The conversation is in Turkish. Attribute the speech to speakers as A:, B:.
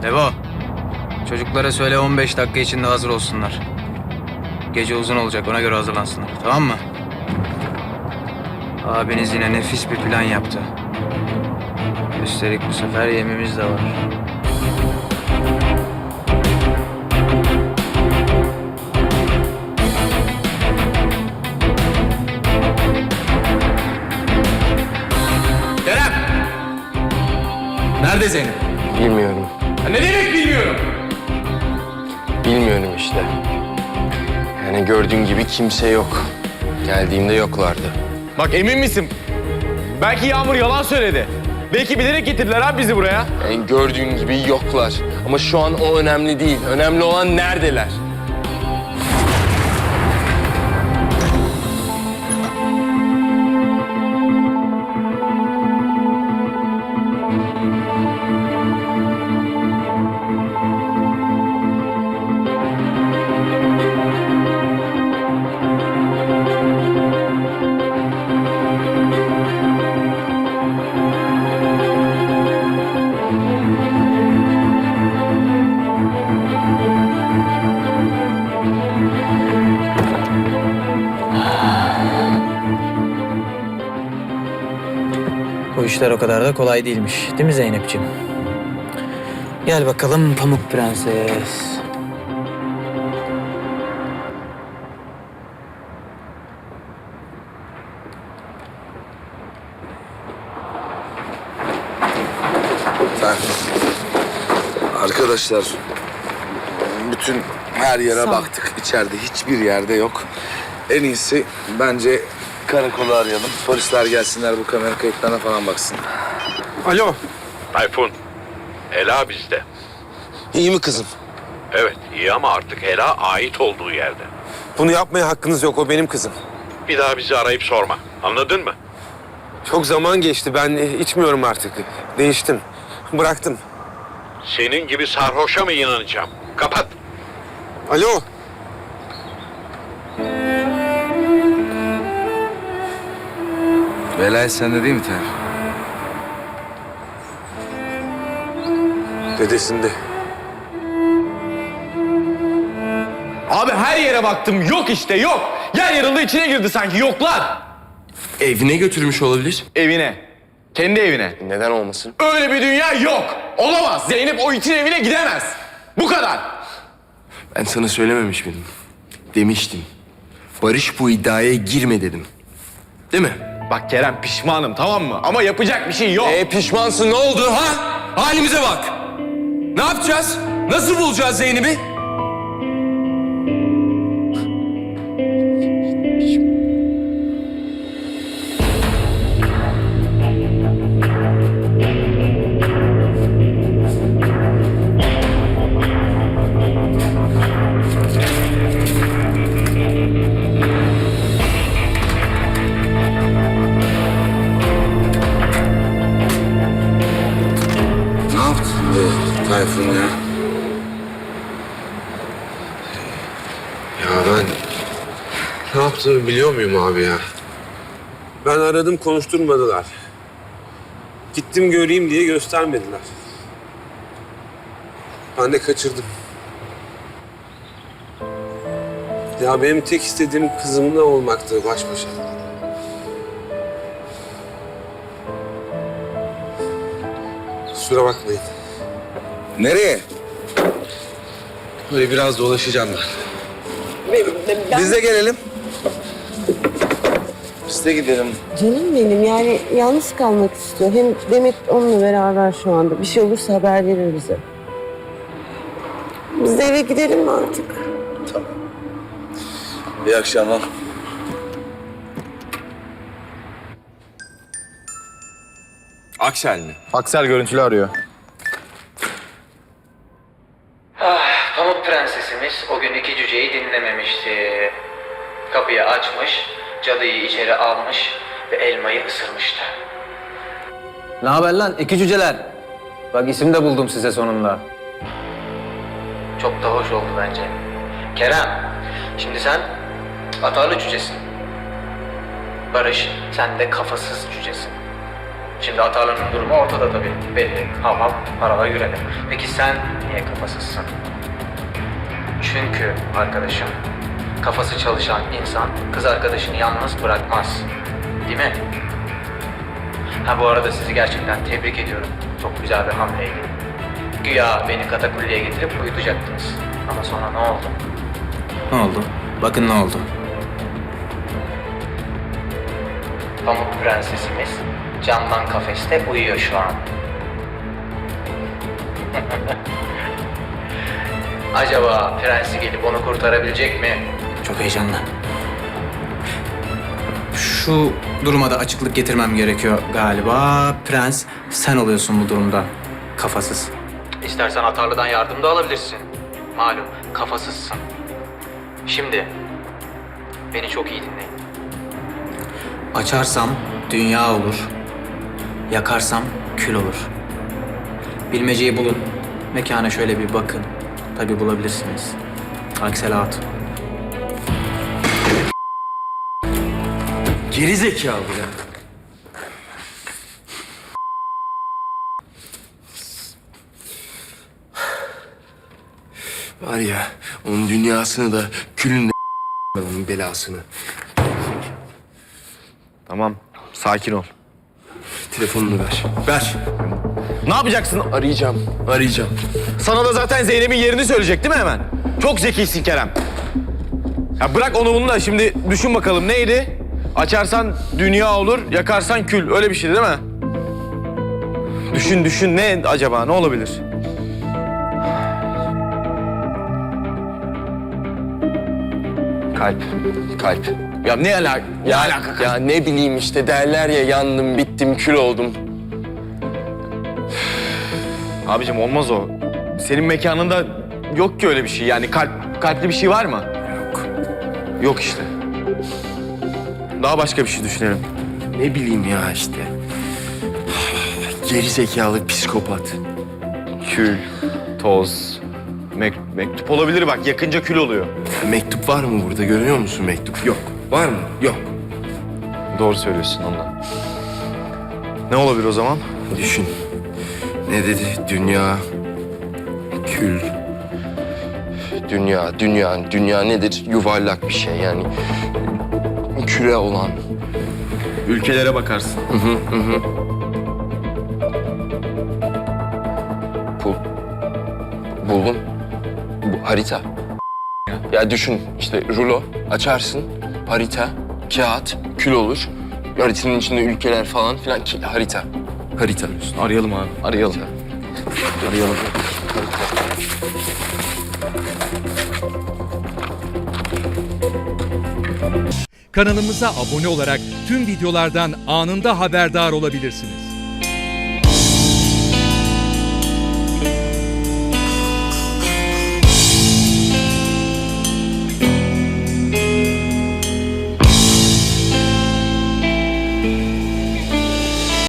A: Devo, çocuklara söyle 15 dakika içinde hazır olsunlar. Gece uzun olacak, ona göre hazırlansınlar. Tamam mı? Abiniz yine nefis bir plan yaptı. Üstelik bu sefer yemimiz de var.
B: Kerem! Nerede Zeynep?
C: Bilmiyorum.
B: Ne demek bilmiyorum.
C: Bilmiyorum işte. Yani gördüğün gibi kimse yok. Geldiğimde yoklardı.
B: Bak emin misin? Belki Yağmur yalan söyledi. Belki bilerek getirdiler abi bizi buraya.
C: Yani gördüğün gibi yoklar. Ama şu an o önemli değil. Önemli olan neredeler?
A: Bu işler o kadar da kolay değilmiş. Değil mi Zeynep'ciğim? Gel bakalım Pamuk Prenses.
D: Arkadaşlar, bütün her yere baktık. İçeride hiçbir yerde yok. En iyisi bence karakolu arayalım. Polisler gelsinler, bu kamera kayıtlarına falan baksın.
C: Alo.
E: Tayfun, Ela bizde.
C: İyi mi kızım?
E: Evet, iyi ama artık Ela ait olduğu yerde.
C: Bunu yapmaya hakkınız yok. O benim kızım.
E: Bir daha bizi arayıp sorma. Anladın mı?
C: Çok zaman geçti. Ben içmiyorum artık. Değiştim. Bıraktım.
E: Senin gibi sarhoşa mı inanacağım? Kapat.
C: Alo.
D: Velayet sende değil mi Tayfun?
C: Dedesinde.
B: Abi her yere baktım yok işte yok. Yer yarıldı içine girdi sanki yoklar.
C: Evine götürmüş olabilir.
B: Evine. Kendi evine.
C: Neden olmasın?
B: Öyle bir dünya yok. Olamaz. Zeynep o itin evine gidemez. Bu kadar.
C: Ben sana söylememiş miydim? Demiştim. Barış bu iddiaya girme dedim. Değil mi?
B: Bak Kerem pişmanım tamam mı? Ama yapacak bir şey yok.
C: Pişmansın, ne oldu ha? Halimize bak. Ne yapacağız? Nasıl bulacağız Zeynep'i?
D: Ne yaptın be Tayfun ya?
F: Ya ben ne yaptığımı biliyor muyum abi ya? Ben aradım, konuşturmadılar. Gittim göreyim diye göstermediler. Ben de kaçırdım. Ya benim tek istediğim kızımla olmaktı baş başa. Kusura bakmayın.
D: Nereye?
F: Böyle biraz dolaşacağım ben.
D: Biz de gelelim. Biz de gidelim.
G: Canım benim yani yalnız kalmak istiyor. Hem Demet onunla beraber şu anda. Bir şey olursa haber verir bize. Biz de eve gidelim mi artık?
D: İyi akşamlar.
C: Aksel mi?
B: Aksel görüntülü arıyor.
A: Pamuk Prensesimiz o gün iki cüceyi dinlememişti. Kapıyı açmış, cadıyı içeri almış ve elmayı ısırmıştı. Ne haber lan iki cüceler? Bak isim de buldum size sonunda. Çok da hoş oldu bence. Kerem, şimdi sen atarlı cücesin. Barış, sen de kafasız cücesin. Şimdi Atarlı'nın durumu ortada tabii. Belli. Hav hav, paralar yüredi. Peki sen niye kafasızsın? Çünkü arkadaşım, kafası çalışan insan kız arkadaşını yalnız bırakmaz. Değil mi? Ha bu arada sizi gerçekten tebrik ediyorum. Çok güzel bir hamleydi. Güya beni katakulliye getirip uyutacaktınız. Ama sonra ne oldu?
H: Ne oldu? Bakın ne oldu.
A: Pamuk Prensesimiz camdan kafeste uyuyor şu an. Acaba prensi gelip onu kurtarabilecek mi?
H: Çok heyecanlı. Şu duruma da açıklık getirmem gerekiyor galiba. Prens, sen oluyorsun bu durumda. Kafasız.
A: İstersen Atarlı'dan yardım da alabilirsin. Malum kafasızsın. Şimdi beni çok iyi dinleyin.
H: Açarsam dünya olur. Yakarsam kül olur. Bilmeceyi bulun. Mekana şöyle bir bakın. Tabii bulabilirsiniz. Akselat.
C: Geri zekalı ya. Var ya, onun dünyasını da külünle onun belasını.
B: Tamam, sakin ol.
C: Telefonunu ver. Ver.
B: Ne yapacaksın?
C: Arayacağım.
B: Sana da zaten Zeynep'in yerini söyleyecek değil mi hemen? Çok zekisin Kerem. Ya bırak onu bunu da şimdi düşün bakalım neydi? Açarsan dünya olur, yakarsan kül. Öyle bir şeydi değil mi? Düşün ne acaba? Ne olabilir?
C: Kalp.
B: Ya ne alaka? Ne alaka?
C: Ya ne bileyim işte derler ya yandım, bittim, kül oldum.
B: Abicim olmaz o. Senin mekanında yok ki öyle bir şey. Yani kalpli bir şey var mı?
C: Yok.
B: Yok işte. Daha başka bir şey düşünelim.
C: Ne bileyim ya işte. Geri zekalı psikopat.
B: Kül, toz, mektup olabilir bak. Yakınca kül oluyor.
C: Mektup var mı burada? Görüyor musun mektup? Yok. Var mı? Yok.
B: Doğru söylüyorsun ondan. Ne olabilir o zaman?
C: Düşün. Ne dedi? Dünya, kül. Dünya nedir? Yuvarlak bir şey yani. Küre olan.
B: Ülkelere bakarsın.
C: Buldum. Bu harita. Ya düşün işte rulo açarsın. Harita, kağıt, kül olur. Haritanın içinde ülkeler falan filan. Harita.
B: Arayalım abi, arayalım. Arayalım.
I: Kanalımıza abone olarak tüm videolardan anında haberdar olabilirsiniz.